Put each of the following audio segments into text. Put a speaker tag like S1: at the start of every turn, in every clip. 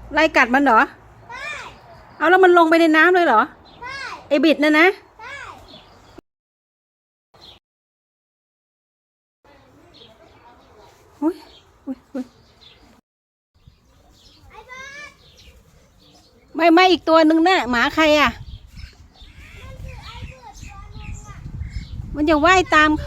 S1: ไล่กัดมันเหรอเอาแล้วมันลงไปในน้ำเลยเหรอไอบิดนะอุ้ยอุ้ยอุ้ยไม่อีกตัวหนึ่งน่ะหมาใครอ่ะมันจะว่ายตาม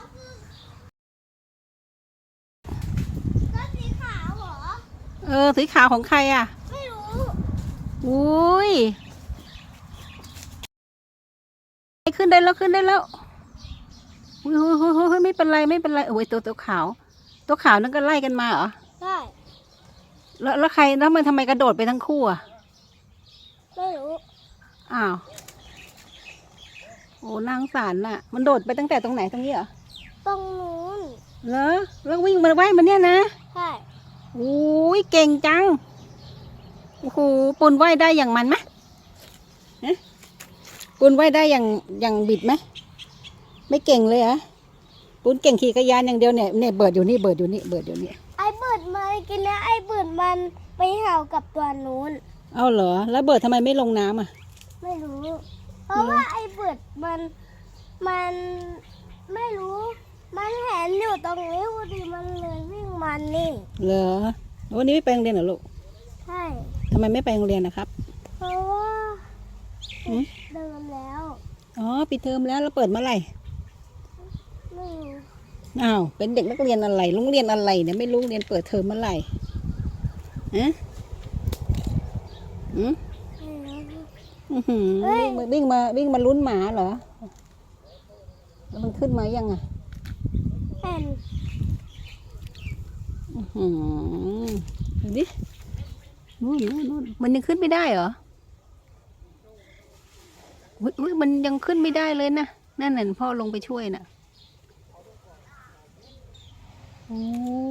S1: สีขาวของใครอ่ะไม่รู้อุ้ยขึ้นได้แล้วขึ้นได้แล้วอุ้ยไม่เป็นไรไม่เป็นไรโอ้ยตัวขาวนั่นก็ไล่กันมาเหรอใช่แล้วใครแล้วมันทำไมกระโดดไปทั้งคู่อ่ะไม่รู้อ้าวโอ้นางสารน่ะมันโดดไปตั้งแต่ตรงไหนตรงนี้เหรอตรงนู้นเหรอแล้ววิ่งมาว่ายมันเนี่ยนะใช่โอ้ยเก่งจังโอ้โหปูนว่ายได้อย่างมันไหมปูนว่ายได้อย่างบิดไหมไม่เก่งเลยเหรอปูนเก่งขี่จักรยานอย่างเดียวเนี่ยเบิดอยู่นี่ไอ้เบิดมากินแล้วไอ้เบิดมันไปเห่ากับตัวนู้นเอาเหรอแล้วเบิดทำไมไม่ลงน้ำอ่ะไม่รู้เพราะว่าไอ้เบิดมันไม่รู้มันเห็นอยู่ตรงนี้พอดีมันเลยวิ่งมันนี่เหรอวันนี้ไม่ไปโรงเรียนเหรอลูกใช่ทำไมไม่ไปโรงเรียนนะครับเพราะว่าเดิมแล้วอ๋อปิดเทอมแล้วเปิดเมื่อไหร่ไม่รู้อ้าวเป็นเด็กนักเรียนอะไรโรงเรียนอะไรเนี่ยไม่รู้เรียนเปิดเทอมเมื่อไหร่วิ่งมาลุ้นหมาเหรอแล้วมันขึ้นมายังอ่ะเป็นดูดินู่นมันยังขึ้นไม่ได้เหรออุ้ยมันยังขึ้นไม่ได้เลยนะนั่นน่ะพ่อลงไปช่วยน่ะโอ้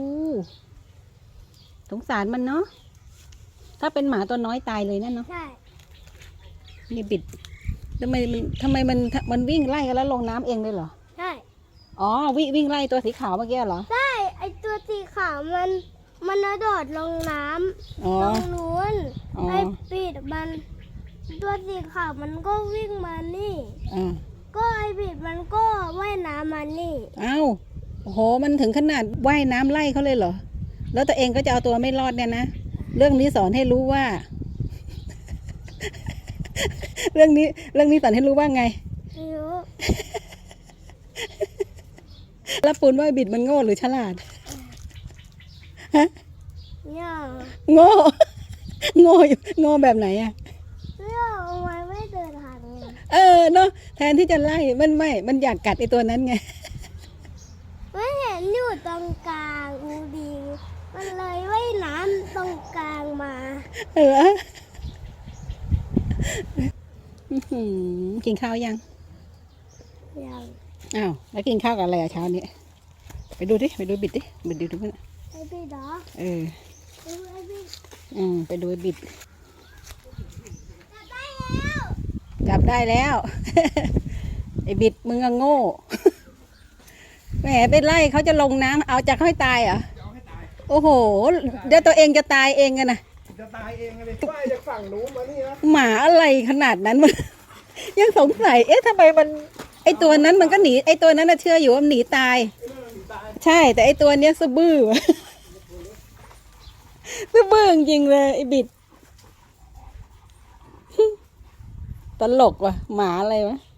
S1: สงสารมันเนาะถ้าเป็นหมาตัวน้อยตายเลยนั่นเนาะใช่นี่บิดทำไมมันวิ่งไล่กันแล้วลงน้ำเองเลยเหรอใช่อ๋อวิ่งไล่ตัวสีขาวเมื่อกี้เหรอใช่ไอตัวสีขาวมันกระโดดลงน้ำตรงนู้นไอปิดมันตัวสีขาวมันก็วิ่งมานี่ก็ไอปิดมันก็ว่ายน้ำมานี่อ้าวโอ้โหมันถึงขนาดว่ายน้ำไล่เขาเลยเหรอแล้วตัวเองก็จะเอาตัวไม่รอดเนี่ยนะเรื่องนี้สอนให้รู้ว่า เรื่องนี้สอนให้รู้ว่าไงรู้แล้วปูนว่าบิดมันโง่หรือฉลาดฮะโง่โง่แบบไหนอ่ะทำไมไม่เดินทางเนาะแทนที่จะไล่มันอยากกัดไอตัวนั้นไงไม่เห็นอยู่ตรงกลางดีมันเลยว่ายน้ำตรงกลางมาเหรอกินข้าวยังอ้าวแล้วกินข้าวกับอะไรเช้านี้ไปดูบิดดิมันไอ้บิดเหรอไปดูไอ้บิดจับได้แล้วไอ้บิดมึงโง่แหมไปไล่เขาจะลงน้ำเอาจะค่อยตายเหรอโอ้โหเดี๋ยวตัวเองจะตายเองกันนะจะตายเองเลยว่ายจากฝั่งนู้นมานี่นะหมาอะไรขนาดนั้นมันยังสงสัยทำไมมันไอตัวนั้นมันก็หนีไอตัวนั้นน่ะเชื่ออยู่ว่ามันหนีตายใช่แต่ไอตัวเนี้ยซะบื้อจริงเลยไอบิดตลกว่ะหมาอะไรวะ